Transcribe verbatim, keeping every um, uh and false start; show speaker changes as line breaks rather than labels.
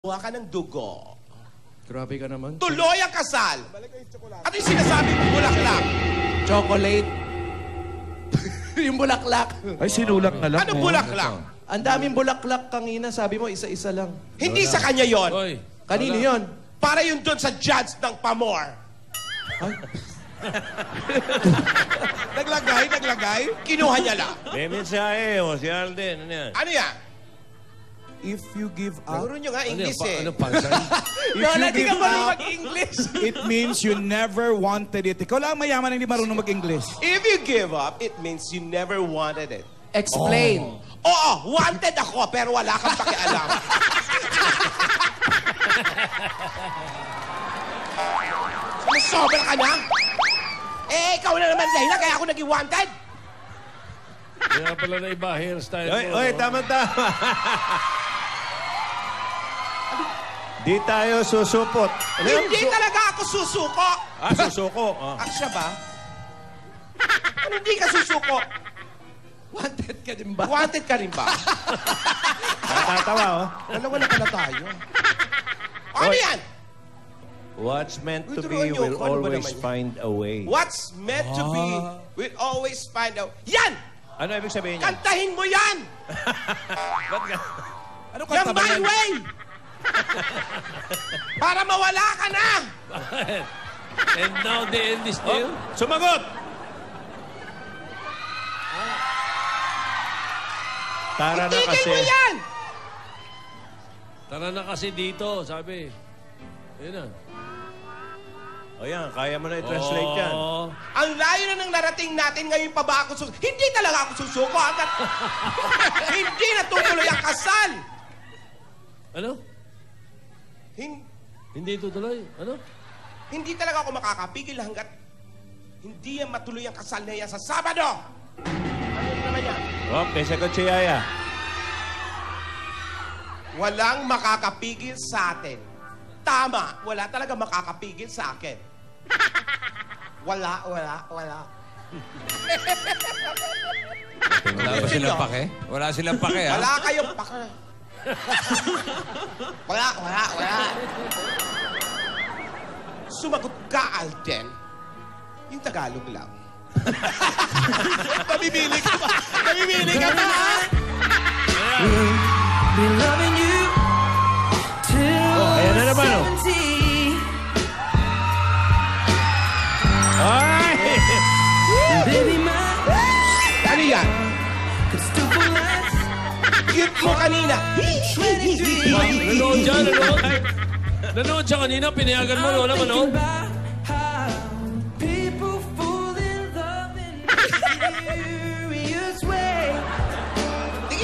Kuha ka ng dugo.
Grabe ka naman.
Tuloy ang kasal. At yung sinasabi mo, bulaklak.
Chocolate. Yung bulaklak.
Ay, sinulak na lang.
Anong bulaklak?
Ang daming bulaklak kanina. Sabi mo, isa-isa lang.
Hindi sa kanya yon.
Oy.
Kanino yon?
Para yun doon sa judge ng Pamor.
Ay,
Naglagay, naglagay. Kinuha niya lang.
May mensahe mo, si Alden. Ano yan?
Ano yan?
If you give up,
Turo nyo nga
Ano yan?
English
Pa-
eh.
Ano pansan?
if
Lola,
you
di ka
give
marunong
up,
mag-English.
it means you never wanted it. Ikaw lang mayaman ang hindi marunong mag-English.
If you give up, it means you never wanted it.
Explain.
Oo, wanted ako, pero wala kang pakialam. Sobra ka na? Eh, ikaw na naman dahilan, kaya ako naging wanted.
Kaya pala na iba hairstyle
Oy,
mo.
oy, tama-tama. Di tayo susupot. Ano yun?
Hindi talaga ako susuko.
Ah, susuko. Ah.
Ah, siya ba? Ano hindi ka susuko?
Wanted ka din ba?
Wanted ka rin ba?
Natatawa, oh.
Dalawa na pala tayo. Ano yan?
What's meant to
Tuturuan
be
niyo
will
ako, ano ba
always
naman yun?
find a way.
What's meant to be will always find out. Yan!
Ano ibig sabihin niya?
Kantahin mo yan!
Ba't ka?
Ano
Yan
kanta ba
my
yan?
way! Para mawala ka na!
And now the end is still.
Sumagot! Tara na
Itigil
kasi.
mo yan!
Tara na kasi dito, sabi. Ayun na.
O yan, kaya mo na i-translate yan.
Oo.
Ang layo na ng narating natin, ngayon pa ba ako susuko? Hindi talaga ako susuko. Hanggat hindi natutuloy ang kasal.
Ano?
Hin-
Hindi tutuloy? Ano?
hindi talaga ako makakapigil hanggat hindi yan matuloy ang kasal na yan sa Sabado. Ano naman yan?
Oh, may sagot si Yaya.
Walang makakapigil sa atin. Tama, wala talaga makakapigil sa akin. Wala, wala, wala.
Wala ba silang pake? Wala silang pake, ha?
Wala kayong paka. Wala, wala, wala. Sumagot ka, Alden. Yung Tagalog lang. Pamimili ka pa. Pamimili ka pa, ha?
Be loving you till
Oh, ayan na naman, oh.
seventy.
Ay!
Baby, my
Ano yan?
could still last
Cute mo kanina.
twenty-three.
Nanood dyan, nanood. Nanood siya kanina, pinayagan mo, Lola,
Thinking
manood.
about how people fall in love and miss you.